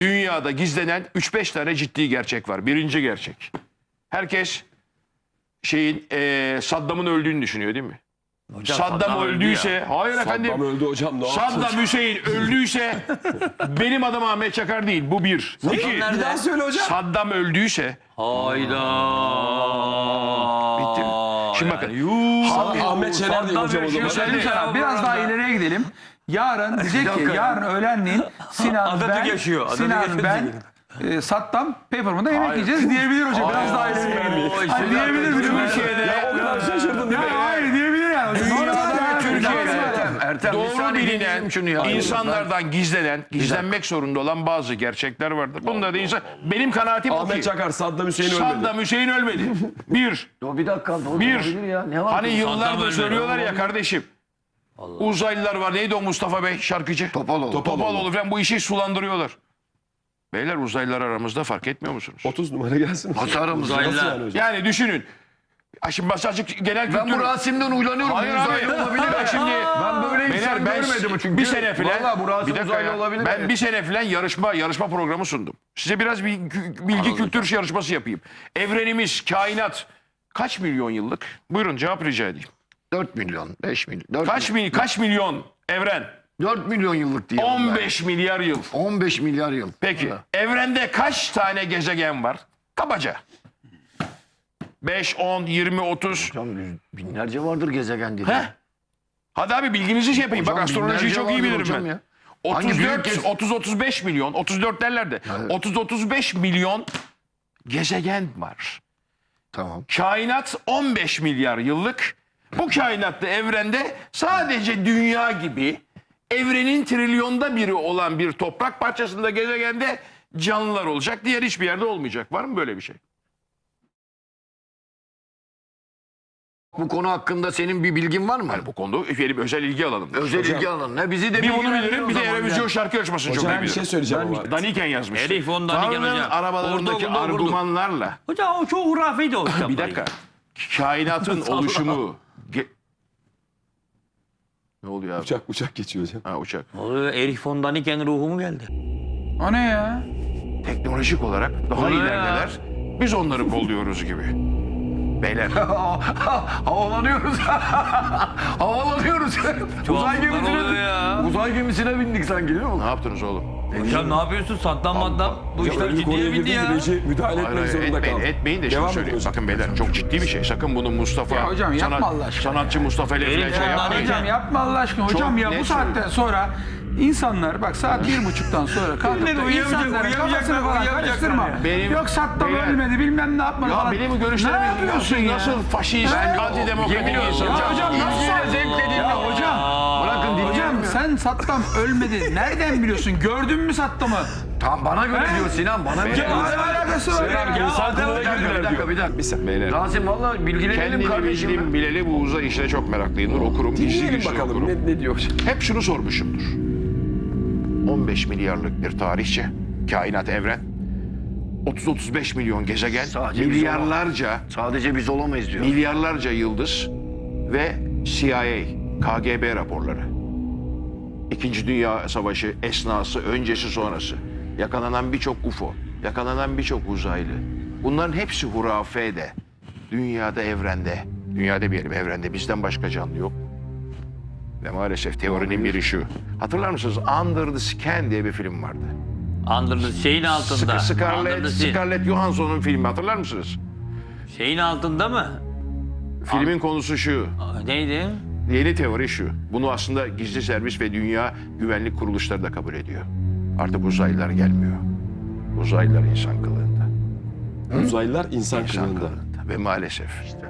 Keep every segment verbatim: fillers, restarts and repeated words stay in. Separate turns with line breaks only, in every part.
Dünyada gizlenen üç beş tane ciddi gerçek var. Birinci gerçek. Herkes şeyin e, Saddam'ın öldüğünü düşünüyor değil mi?
Hocam,
Saddam,
Saddam
öldüyse, hayır efendim.
Saddam öldü hocam, ne yaptın?
Saddam Hüseyin öldüyse benim adım Ahmet Çakar değil. Bu bir. İki.
Bir daha söyle hocam.
Saddam öldüyse
Hayda.
bitti. Şimdi bakın.
Ah- Ahmet Şener değil hocam o zaman.
Müsaade-
Sana biraz daha ileriye gidelim. Yarın diyecek ki yarın öğlenleyin Sinan
Atatürk
ben,
yaşıyor. Atatürk
Sinan
yaşıyor
ben, e, Saddam Peppermint'da yemek yiyeceğiz diyebilir hocam. Biraz daha ileriye gidelim.
Oy,
Hani
Sinan
diyebilir
Türkiye'de-
mi?
Türkiye'de
Ya o kadar şaşırdın değil mi?
Ya hayır diyebilir yani.
Dünyada ve Türkiye'de
Ertem, bir
doğru
saniye
bilinen,
dinleyelim şunu ya.
insanlardan gizlenen, gizlenmek zorunda olan bazı gerçekler vardır. Bunda da insan, benim kanaatim o
Ahmet
ki
Çakar, Saddam Hüseyin ölmedi.
Saddam Hüseyin ölmedi. Bir,
O bir dakika. doğru
bir.
olabilir ya. Ne var?
Hani
ki?
yıllardır
ölmedi.
söylüyorlar ya kardeşim. Uzaylılar var. Neydi o Mustafa Bey şarkıcı?
Topaloğlu.
Topaloğlu falan bu işi sulandırıyorlar. Beyler uzaylılar aramızda fark etmiyor musunuz?
otuz numara gelsin.
Hasarımız.
Nasıl
Uzaylılar.
yani hocam?
Yani düşünün. Ha Şimdi basacık genel
Ben
kültür...
bu Rasim'den uylanıyorum.
Hayır
Bu
abi.
uzaylı olabilir.
Ben şimdi...
Ben böyle
Beyler
insan
ben
görmedim çünkü.
bir sene filan...
Vallahi bu Rasim
bir dakika
uzaylı
ya.
olabilir.
Ben bir sene filan yarışma yarışma programı sundum. Size biraz bir kü- bilgi kültür yarışması yapayım. Evrenimiz, kainat kaç milyon yıllık? Buyurun cevap rica edeyim.
dört milyon, beş milyon. dört
Kaç
milyon.
mil, kaç milyon evren?
dört milyon yıllık diye.
on beş milyar yıl.
on beş milyar yıl.
Peki
Ha.
evrende kaç tane gezegen var? Kabaca. beş, on, yirmi, otuz.
Hocam yüz- binlerce vardır gezegen dedi.
Heh. Hadi abi bilginizi şey yapayım.
Hocam
Bak astrolojiyi
binlerce
çok iyi
vardır
bilirim
hocam
ben.
ya. Hangi
otuz
büyük
dört,
gez-
otuz otuz beş milyon, otuz dört derler de.
Evet.
otuz otuz beş milyon gezegen var.
Tamam.
Kainat on beş milyar yıllık. Bu kainatta evrende sadece dünya gibi evrenin trilyonda biri olan bir toprak parçasında gezegende canlılar olacak. Diğer hiçbir yerde olmayacak. Var mı böyle bir şey?
Bu konu hakkında senin bir bilgin var mı?
Bu konuda bir özel ilgi alalım.
Özel ilgi alanı. Ne bizi de
Bir bunu
bilgilendir
bilirim,
o
bir de
zaman
Eurovision
ya.
şarkı yarışmasını çok iyi
Hocam bir şey
bilirim.
söyleyeceğim ama.
Daniken yazmıştı.
Elif on Daniken
Tanrı'nın
hocam.
arabalarındaki
Orada, orada, orada.
argümanlarla
Hocam o çok hurafeydi o kitaplar.
bir dakika. Kainatın oluşumu ge- ne oluyor abi?
Uçak uçak geçiyor hocam.
Ha, uçak.
Oluyor, Erich von Daniken ruhu mu geldi?
O ne ya?
Teknolojik olarak daha
Oluyor
ilerideler. Biz onları kolluyoruz gibi. Beyler.
Havalanıyoruz. Havalanıyoruz. Uzay
oluyor
gemisine,
ya.
uzay gemisine bindik sanki değil mi?
Ne yaptınız oğlum?
Hocam ne yapıyorsun? Saddam maddam. Bu işler
Öyle bir konuya
ciddiye bindi
girdim
ya.
ki reji müdahale
Hayır,
etmek
hayır,
zorunda
etmeyin,
kaldım.
etmeyin de şunu
Devam
söyleyeyim.
ediyoruz.
Bakın beyler çok ciddi bir şey. Sakın bunu Mustafa...
Ya hocam yapma Allah aşkına
Sanatçı Mustafa ile falan
Elif
şey
ondan
yapmayın.
hocam
Hocam yapma Allah aşkına. Hocam ya
net
bu saatten sonra insanlar bak saat bir buçuktan sonra kalkıp da
uyuyamayacak,
insanların
uyuyamayacaklar,
kafasını falan
uyuyamayacaklar
karıştırma.
ya.
Benim-
Yok Saddam
Beyler-
ölmedi bilmem ne yapmadı
Ya
falan.
benim
Ne
görüşlerimi
yapıyorsun
nasıl,
ya?
nasıl faşist,
Ha?
antidemokratik
Yemin
insan.
ediyorum.
Ya hocam nasıl
İlgiyle zevkle dinle.
Ya hocam.
Bırakın dinleyelim
Hocam
ya.
sen Saddam ölmedi. Nereden biliyorsun? Gördün mü Saddam'ı?
Tam bana göre
He?
diyor Sinan. Bana göre.
Ya ne alakası var ya?
Ya
Bir dakika, bir dakika, bir dakika.
Bir saniye.
Beyler.
Rasim valla bilgilenelim
Kendini
kardeşim.
bildim bileli bu uzay işine çok meraklıyımdır. Okurum, gizli
Dinleyelim
gizli
bakalım
okurum.
ne, ne diyor hocam.
Hep şunu sormuşumdur. on beş milyarlık bir tarihçe, kainat evren, otuz otuz beş milyon gezegen,
Sadece biz
milyarlarca,
Sadece biz olamayız diyor.
milyarlarca yıldız ve C I A, K G B raporları. İkinci Dünya Savaşı esnası, öncesi sonrası. Yakalanan birçok U F O, yakalanan birçok uzaylı. Bunların hepsi hurafede. Dünyada, evrende, dünyada demeyelim evrende bizden başka canlı yok. Ve maalesef teorinin biri şu. Hatırlar mısınız? Under the Skin diye bir film vardı.
Under the şeyin altında.
Scar-
Under
Scarlett,
the sea.
Scarlett Johansson'un filmi hatırlar mısınız?
Şeyin altında mı?
Filmin konusu şu.
Aa, neydi?
Yeni teori şu. Bunu aslında gizli servis ve dünya güvenlik kuruluşları da kabul ediyor. Artık uzaylılar gelmiyor. Uzaylılar insan kılığında.
Uzaylılar insan
İnsan
kılığında.
kılığında. Ve maalesef işte.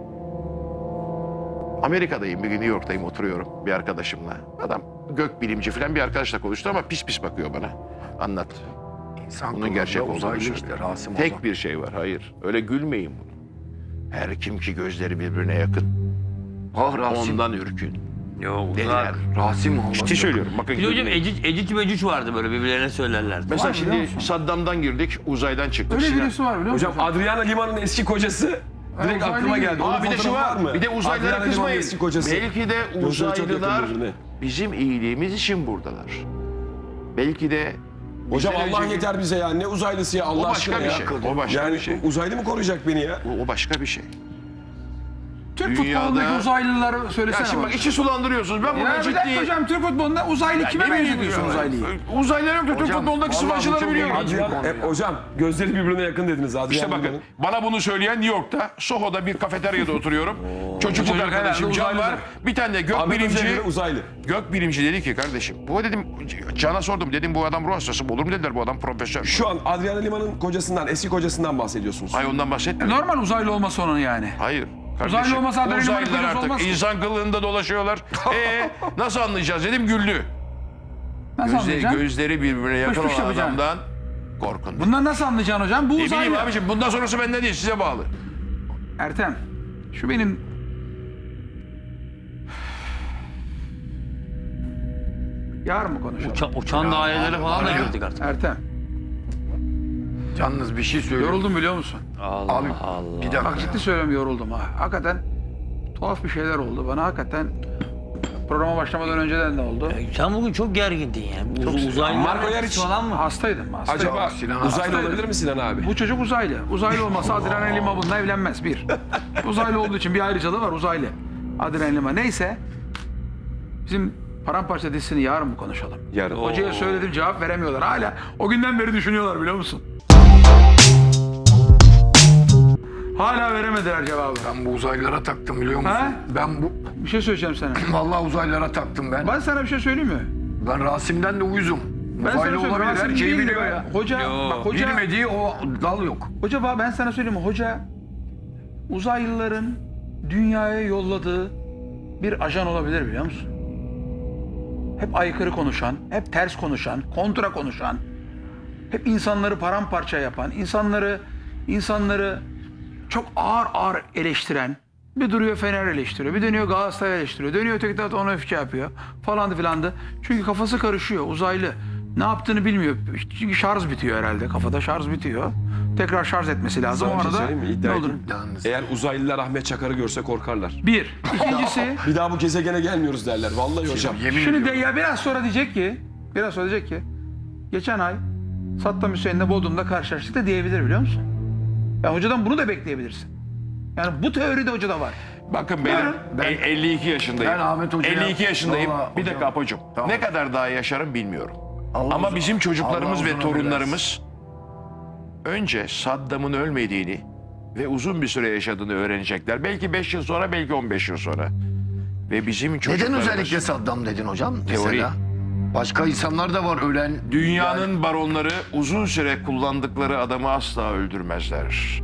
Amerika'dayım bir gün, New York'tayım, oturuyorum bir arkadaşımla. Adam gök bilimci falan bir arkadaşla konuştu ama pis pis bakıyor bana. Anlat.
İnsan
Bunun
kılığında
gerçek olduğunu
uzaylı
söylüyor.
işte Rasim
Tek
Ozan.
bir şey var, hayır. Öyle gülmeyin bunu. Her kim ki gözleri birbirine yakın,
Ah Rasim.
ondan ürkün.
Yok
Dediler.
uzak.
Rasim Allah.
Ciddi söylüyorum. Bakın.
Bir de hocam
gülmeyin.
Ecic, Ecic Mecic vardı böyle birbirlerine söylerlerdi.
Mesela
Var biliyor
şimdi
musun?
Saddam'dan girdik, uzaydan çıktık.
Öyle
Sinan-
birisi var biliyor musun?
Hocam Adriana Lima'nın eski kocası direkt
uzaylı
aklıma
gibi.
geldi.
Aa,
Onun
bir de şu
fotoğrafı
var.
mı?
Bir de uzaylılara
Adriana Lima'nın
kızmayın.
eski kocası.
Belki de
Gözleri çok yakın
uzaylılar
birbirine.
bizim iyiliğimiz için buradalar. Belki de
Hocam
Bizden
Allah
önceki-
yeter bize ya. Ne uzaylısı ya Allah
O başka
aşkına
bir
ya.
şey. O başka
yani
bir şey.
uzaylı mı koruyacak beni ya?
O, o başka bir şey.
Türk
Dünyada-
futbolundaki uzaylıları
Ya
söylesene
şimdi
bana.
bak içi sulandırıyorsunuz. Ben
Ya
buna
bir
ciddi...
dakika hocam, Türk futbolunda uzaylı kime
Ne bileyim
benzetiyorsun
ya.
uzaylıyı?
Uzaylılar yok da Türk
Hocam,
futbolundaki
vallahi bu
sıvacıları
çok
biliyorum.
ilginç.
Adrian, e, hocam gözleri birbirine yakın dediniz Adrian.
İşte bakın
Liman'ın.
bana bunu söyleyen New York'ta Soho'da bir kafeteryada oturuyorum. Çocukluk
Çocuk
arkadaşım
herhalde
Can var.
uzaylıdır.
Bir tane de gök
Ahmet
bilimci.
Özel'in uzaylı.
Gök bilimci dedi ki kardeşim. Bu dedim Can'a sordum. Dedim bu adam ruh hastası mı? Olur mu dediler bu adam profesör.
Şu an Adrian Liman'ın kocasından, eski kocasından bahsediyorsunuz.
Hayır ondan bahsetmiyorum.
Normal uzaylı olması onun yani.
Hayır. Kardeşim,
Uzaylı olmasa Adrian Liman'ın
uzaylılar
kocası
artık
olmaz ki.
insan kılığında dolaşıyorlar. Eee nasıl anlayacağız dedim güldü.
Nasıl
Gözleri,
anlayacaksın?
gözleri birbirine yakın
Fış fış
olan
yapacaksın.
adamdan korkun.
Bundan nasıl anlayacaksın hocam? Bu
Ne bileyim
uzaylı.
abiciğim bundan sonrası benden değil size bağlı.
Ertem, şu benim... Yarın mı konuşalım?
Uça, uçan daireleri falan da gördük artık.
Ertem,
Yalnız bir şey söyleyeyim.
yoruldum biliyor musun?
Allah
Abi
Allah.
bir dakika.
Bak ciddi söylüyorum, yoruldum ha. Hakikaten tuhaf bir şeyler oldu. Bana hakikaten programa başlamadan önceden de oldu.
Sen bugün çok gergindin ya. Uz, uzaylılar
Marco Yariç.
falan mı?
Hastaydım, hastaydım.
Acaba
Sinan
uzaylı
hastaydı.
olabilir mi Sinan abi?
Bu çocuk uzaylı. Uzaylı olmasa Adrian Lima bununla evlenmez. Bir. Uzaylı olduğu için bir ayrıcalığı var, uzaylı. Adrian Lima. Neyse. Bizim Paramparça dizisini yarın mı konuşalım?
Yarın.
Hocaya söyledim, cevap veremiyorlar. Hala o günden beri düşünüyorlar biliyor musun? Hala veremediler cevabı.
Ben bu uzaylılara taktım biliyor musun?
Ha?
Ben bu
Bir şey söyleyeceğim sana.
vallahi uzaylılara taktım ben.
Ben sana bir şey söyleyeyim mi?
Ben Rasim'den de uyuzum.
Ben sana
Uzaylı
söyleyeyim,
olabilir
Rasim
her şeyi
değil
biliyor
diyor
ya.
Hoca,
Yo.
bak hoca,
Bilmediği o dal yok.
hoca bak ben sana söyleyeyim mi? Hoca uzaylıların dünyaya yolladığı bir ajan olabilir biliyor musun? Hep aykırı konuşan, hep ters konuşan, kontra konuşan, hep insanları paramparça yapan, insanları insanları çok ağır ağır eleştiren, bir duruyor Fener eleştiriyor, bir dönüyor Galatasaray eleştiriyor, dönüyor öteki tarafta ona öfke yapıyor falandı filandı. Çünkü kafası karışıyor, uzaylı. Ne yaptığını bilmiyor. Çünkü şarj bitiyor herhalde, kafada şarj bitiyor. Tekrar şarj etmesi lazım.
Sana
O
bir şey
arada
söyleyeyim mi?
ne
İddia
olur?
edeyim.
Yalnız.
Eğer uzaylılar Ahmet Çakar'ı görse korkarlar.
Bir. İkincisi,
Bir daha bu gezegene gelmiyoruz derler. Vallahi hocam.
Yemin
şimdi de
ediyorum.
ya biraz sonra diyecek ki, biraz sonra diyecek ki, geçen ay Saddam Hüseyin'le Bodrum'da karşılaştık da diyebilir biliyor musun? Ya hocadan bunu da bekleyebilirsin. Yani bu teori de hocada var.
Bakın benim
Ben-
e- elli iki yaşındayım.
Ben Ahmet Hoca'ya-
elli iki yaşındayım.
Vallahi
bir dakika
hocam.
Apocuğum.
Tamam.
Ne kadar daha yaşarım bilmiyorum.
Allah
Ama
uzun-
bizim çocuklarımız
Allah
ve
uzun
torunlarımız önce Saddam'ın ölmediğini ve uzun bir süre yaşadığını öğrenecekler. Belki beş yıl sonra, belki on beş yıl sonra. Ve bizim
Neden
çocuklarımız...
özellikle Saddam dedin hocam?
Teori.
Mesela. Başka insanlar da var ölen.
Dünyanın baronları uzun süre kullandıkları adamı asla öldürmezler.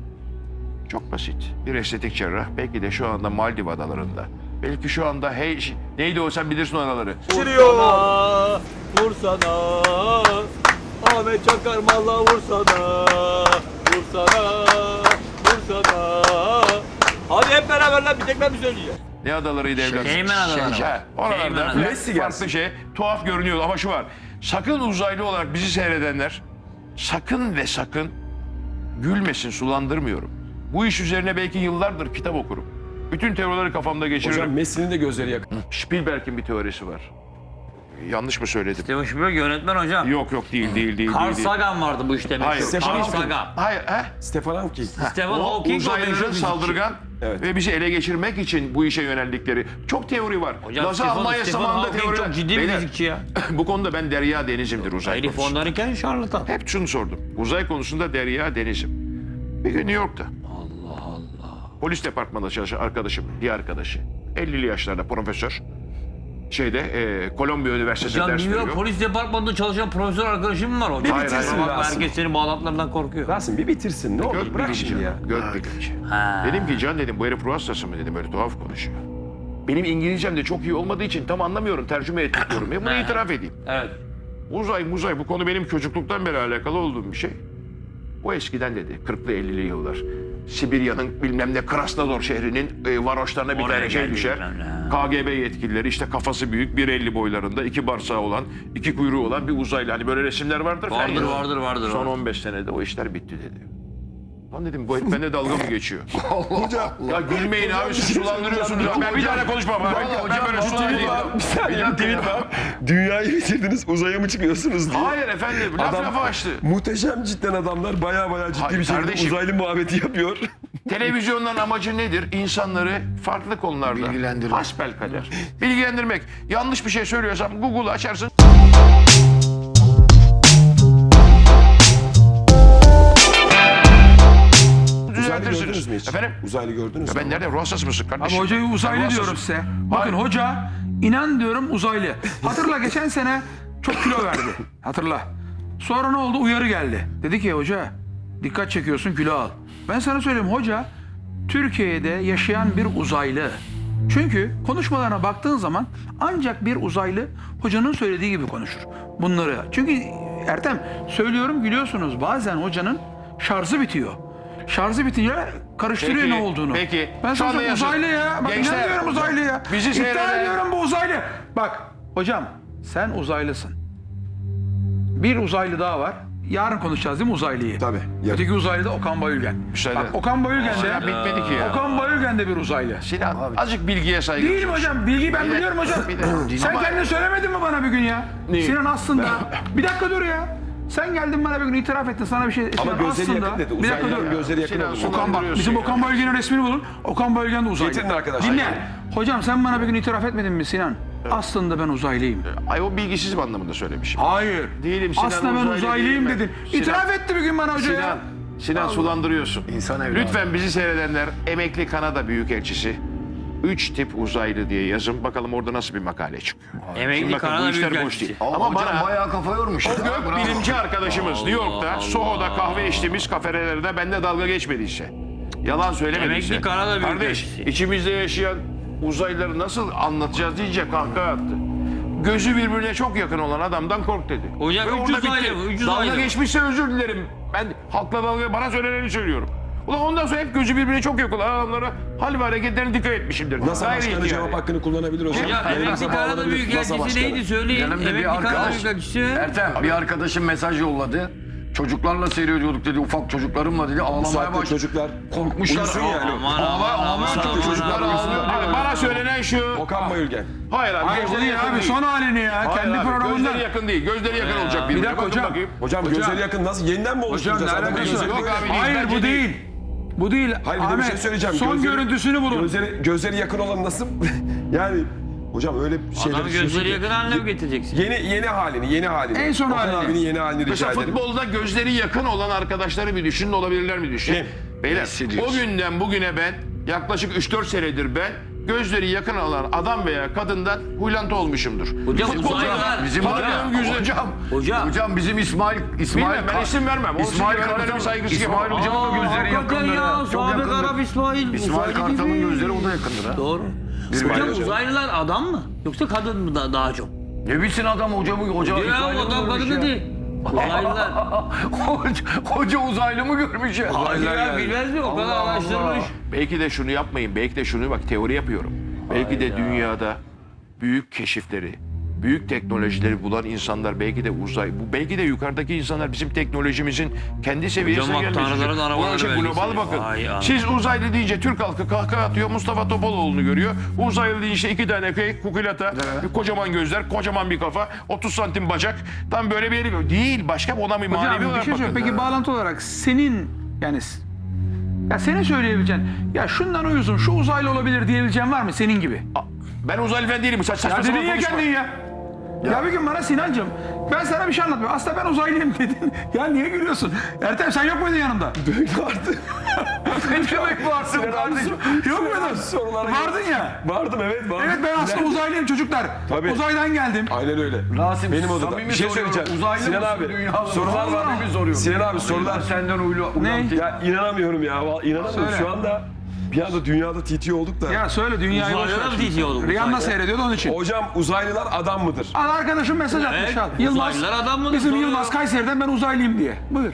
Çok basit. Bir estetik cerrah belki de şu anda Maldiv adalarında. Belki şu anda hey neydi o sen bilirsin o adaları.
Vursana, vursana, Ahmet Çakar malla vursana, vursana, vursana. Hadi hep beraber lan bir tek ben mi söyleyeceğim?
Ne adalarıydı evlat?
Cayman adaları.
He,
Cayman
oralarda
adaları.
Messi
farklı
gelsin.
şey tuhaf görünüyor ama şu var. Sakın uzaylı olarak bizi seyredenler sakın ve sakın gülmesin, sulandırmıyorum. Bu iş üzerine belki yıllardır kitap okurum. Bütün teorileri kafamda geçiririm.
Hocam Messi'nin de gözleri yakın.
Spielberg'in bir teorisi var. Yanlış mı söyledim?
Steven Spielberg yönetmen hocam.
Yok yok değil değil değil.
Carl
değil, değil.
Sagan vardı bu işte.
Hayır.
meşhur.
Stephen
Carl
Hawking.
Sagan.
Hayır, he?
Stefan Hawking.
Stephen
O
Hawking o
uzaylıların
meşhur fizikçi.
saldırgan
Evet.
ve bizi ele geçirmek için bu işe yöneldikleri çok teori var.
Hocam
Nazi
Stephen,
Almanya
Stephen
zamanında
Hawking
teoriler.
çok ciddi bir
Beyler,
fizikçi ya.
bu konuda ben derya denizimdir uzay
Herif
konusunda.
onlarınken şarlatan.
Hep şunu sordum. Uzay konusunda derya denizim. Bir gün New York'ta. Allah Allah. Polis departmanında çalışan arkadaşım, bir arkadaşı. ellili yaşlarda profesör. Şeyde, e, Kolombiya Üniversitesi'nde
Hocam
ders
New York
veriyor.
Polis Departmanı'nda çalışan profesör arkadaşım mı var hocam?
Hayır, hayır.
Kusura bakma,
Rasim.
herkes senin bağlantılarından korkuyor.
Rasim bir bitirsin ne olur
Gök
bırak
bilimci.
şimdi ya.
Gök bilimci.
Ha.
Dedim ki Can dedim bu herif ruh hastası mı dedim öyle tuhaf konuşuyor. Benim İngilizcem de çok iyi olmadığı için tam anlamıyorum tercüme etmek diyorum. Ya bunu
Ha.
itiraf edeyim.
Evet.
Uzay muzay bu konu benim çocukluktan beri alakalı olduğum bir şey. O eskiden dedi kırklı ellili yıllar. Sibirya'nın bilmem ne Krasnodar şehrinin e, varoşlarına bir
Oraya
tane şey
geldi
düşer.
bilmem ne.
K G B yetkilileri işte kafası büyük bir elli boylarında iki barsağı olan iki kuyruğu olan bir uzaylı. Hani böyle resimler vardır. falan
Vardır
ya.
vardır vardır.
Son
vardır.
on beş senede o işler bitti dedi. Lan dedim bu hep bende dalga mı geçiyor?
Hocam.
Ya gülmeyin abi siz sulandırıyorsunuz. Ya. Ben bir tane konuşmam abi. Ben böyle sulandırayım.
Bir saniye bir tweet var. Dünyayı bitirdiniz uzaya mı çıkıyorsunuz diye.
Hayır efendim laf
Adam-
lafa açtı.
Muhteşem cidden adamlar baya baya ciddi
Hayır
bir şekilde
kardeşim.
uzaylı muhabbeti yapıyor.
Televizyonların amacı nedir? İnsanları farklı konularda
Bilgilendirmek.
hasbelkader bilgilendirmek. Yanlış bir şey söylüyorsam Google'u açarsın.
Uzaylı gördünüz
Düzeltirsiniz.
mü hiç?
Efendim?
Uzaylı gördünüz mü?
Ben nereden? Ruh hastası mısın
Abi
kardeşim?
hocayı uzaylı
Ben ruh
diyorum
hastasıyım.
size. Bakın
Hayır.
hoca inan diyorum uzaylı. Hatırla geçen sene çok kilo verdi. Hatırla. Sonra ne oldu? Uyarı geldi. Dedi ki hoca dikkat çekiyorsun kilo al. Ben sana söyleyeyim hoca Türkiye'de yaşayan bir uzaylı. Çünkü konuşmalarına baktığın zaman ancak bir uzaylı hocanın söylediği gibi konuşur. Bunları. Çünkü Ertem söylüyorum gülüyorsunuz. Bazen hocanın şarjı bitiyor. Şarjı bitince karıştırıyor
Peki,
ne olduğunu.
peki.
Ben
Şu anda
sana
yazın.
uzaylı ya. Bak
Gençler,
inan diyorum uzaylı ya.
bizi
İddia
seyreden-
ediyorum bu uzaylı. Bak hocam sen uzaylısın. Bir uzaylı daha var. Yarın konuşacağız değil mi uzaylıyı?
Tabii, yarın.
Öteki uzaylı da Okan Bayülgen.
Müsaade.
Bak Okan Bayülgen
Sinan
de
bitmedi ki ya.
Okan Bayülgen de bir uzaylı.
Sinan azıcık bilgiye saygı
Değil mi
duyuyorsun.
hocam? Bilgiyi ben
Bir de-
biliyorum hocam.
bir de-
Sen
Ama-
kendin söylemedin mi bana bir gün ya?
Neyi?
Sinan aslında. Bir dakika dur ya. Sen geldin bana bir gün itiraf ettin sana bir şey.
Ama
Sinan
gözleri
aslında.
yakın dedi.
Bir dakika
Uzaylıların
dur.
gözleri yakın
Sinan,
oldu.
Sinan-
Okan bak,
Kandırıyorsun
bizim
ya.
Okan Bayülgen'in resmini bulun. Okan Bayülgen de uzaylı.
Getirin arkadaşlar.
Dinle. Hocam sen bana bir gün itiraf etmedin mi Sinan? Aslında ben uzaylıyım.
Ay o bilgisizim anlamında söylemişim.
Hayır.
Değilim Sinan,
Aslında ben
uzaylı
uzaylıyım
değilim ben.
dedin.
Sinan-
İtiraf etti bir gün bana hoca ya.
Sinan, Sinan sulandırıyorsun.
İnsan evladı.
Lütfen bizi seyredenler emekli Kanada Büyükelçisi üç tip uzaylı diye yazın. Bakalım orada nasıl bir makale çıkıyor. Şimdi
Emekli
bakın, bu
Kanada
işler boş
Büyükelçisi.
değil.
Ama,
Ama
hocam
bana
bayağı kafa yormuş.
o gök bilimci arkadaşımız New York'ta
Allah.
Soho'da kahve içtiğimiz kafelerde bende dalga geçmediyse, yalan söylemediyse,
Emekli Kanada
kardeş
Büyükelçisi.
içimizde yaşayan uzaylıları nasıl anlatacağız deyince kahkaha attı. Gözü birbirine çok yakın olan adamdan kork dedi.
Hocam
Ve
üç
orada
uzaylı
bitti.
mı? Üç
Dalga
uzaylı mı?
geçmişse özür dilerim. Ben halkla dalga bana söyleneni söylüyorum. Ulan ondan sonra hep gözü birbirine çok yakın olan adamlara hal ve hareketlerine dikkat etmişimdir.
NASA
Gayri
başkanı
ihtiyari.
cevap hakkını kullanabilir hocam.
Hocam
Yayın
emekli
NASA
Kanada
bağlanabilir. NASA
Büyükelçisi
başkanı.
neydi söyleyin.
Yanımda bir
Emekli Kanada
arkadaş.
Büyükelçisi.
Ertem bir arkadaşım mesaj yolladı. Çocuklarla seyrediyorduk dedi. Ufak çocuklarımla dedi.
Bu
Ağlamaya
saatte
başladı.
çocuklar
Korkmuşlar.
uyusun yani.
Aman
Ağla-
aman
ağlıyor
aman
çocuk, çocuklar
aman,
ağlıyor.
aman.
Abi bana söylenen şu.
Okan Bayülgen.
Hayır abi.
Hayır
gözleri
değil
yakın
abi
değil.
son halini ya.
Hayır
Kendi
abi,
programında.
Gözleri yakın değil. Gözleri yakın olacak birbirine.
dakika
Bakın
hocam.
bakayım.
Hocam,
Hocam.
gözleri yakın nasıl? Yeniden mi
Hocam
oluşturacağız?
ne
Adamın
alakası
gözleri-
Yok abi, değil,
Hayır
bence
bu
değil.
değil. Bu değil.
Hayır bir de bir
Ahmet,
şey söyleyeceğim.
son
Gözleri-
görüntüsünü bulun.
Gözleri, gözleri yakın olan nasıl? yani hocam öyle şeyler.
Adamı gözleri yakın haline mi getireceksin?
Yeni yeni halini, yeni halini.
En son
Okan
halini.
abinin yeni halini rica
Mesela
ederim.
futbolda gözleri yakın olan arkadaşları bir düşünün olabilirler mi düşünün? Beyler
Messi diyorsun.
o günden bugüne ben yaklaşık üç dört senedir ben gözleri yakın olan adam veya kadından huylantı olmuşumdur.
Hocam
Futbolda
uzaylılar.
Bizim var ya,
tanıdığım gözler-
hocam,
Hocam.
hocam bizim İsmail İsmail
Bilmem, ben isim vermem. O
İsmail
sizin
Kartal
bir saygısızlık
İsmail
yapamam.
hocamın da gözleri
hakikaten
yakındır.
ya.
ha, Çok
Sabık
yakındır.
Arap İsmail.
İsmail
uzaylı
Kartal'ın
gibi.
gözleri o da yakındır ha.
Doğru.
İsmail
Hocam
hocam.
uzaylılar adam mı? Yoksa kadın mı da, daha çok?
Ne bilsin adam hocamı hoca
Ya
İsmail'i
adam
görmüş
kadın
ya.
değil. Uzaylılar.
hoca, hoca uzaylı mı görmüş ya?
Ya bilmez mi? O kadar
Allah
araştırmış.
Belki de şunu yapmayın. Belki de şunu bak teori yapıyorum. Belki de dünyada büyük keşifleri, büyük teknolojileri bulan insanlar belki de uzay, bu belki de yukarıdaki insanlar bizim teknolojimizin kendi seviyesine
bak,
gelmiştir.
tanrıların arabaları
Bu şey global
vergisi.
bakın.
Vay anam.
Siz uzaylı deyince Türk halkı kahkaha atıyor, Mustafa Topaloğlu'nu görüyor. Uzaylı deyince işte iki tane kay, kukulata, bir kocaman gözler, kocaman bir kafa, otuz santim bacak. Tam böyle bir yeri değil. Başka ona bir manevi
Hocam bir
olarak
şey
bakın.
söyleyeyim. Peki bağlantı olarak senin yani ya senin söyleyebileceğin ya şundan uyusun şu uzaylı olabilir diyebileceğin var mı senin gibi?
Ben uzaylı falan değilim. Saç saçma
Ya
sapan
dedin ya
konuşma.
kendin ya. Ya. bir gün bana Sinancığım ben sana bir şey anlatmıyorum. Aslında ben uzaylıyım dedin. Ya niye gülüyorsun? Ertem sen yok muydun yanımda?
Vardı.
Ne demek varsın kardeşim? Yok muydun?
Sorulara
Vardın ya.
Vardım evet vardım.
Evet ben aslında uzaylıyım çocuklar.
Tabii.
Uzaydan geldim.
Aynen öyle.
Rasim,
Benim odada.
samimi
Bir şey
soruyorum.
söyleyeceğim.
Uzaylı
Sinan
mısın,
abi
dünyalı mısın?
sorular var.
Samimi soruyorum.
Sinan abi sorular.
Senden uylu.
Ne?
Ya inanamıyorum ya. Vallahi inanamıyorum.
Söyle.
Şu anda bir anda dünyada T T olduk da.
Ya söyle dünyayı boş
Uzaylılar mı
ver.
T T oldu?
Rihanna
Uzaylılar.
seyrediyordu onun için.
Hocam uzaylılar adam mıdır?
Al arkadaşım mesaj atmış
Evet,
al. Yılmaz.
uzaylılar adam mıdır?
Bizim
Soruyor.
Yılmaz Kayseri'den ben uzaylıyım diye. Buyur.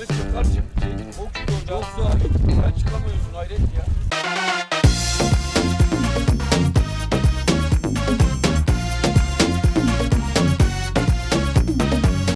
Ahmet Çakar çıktı. Çok zor. Çok zor. Sen çıkamıyorsun hayret ya.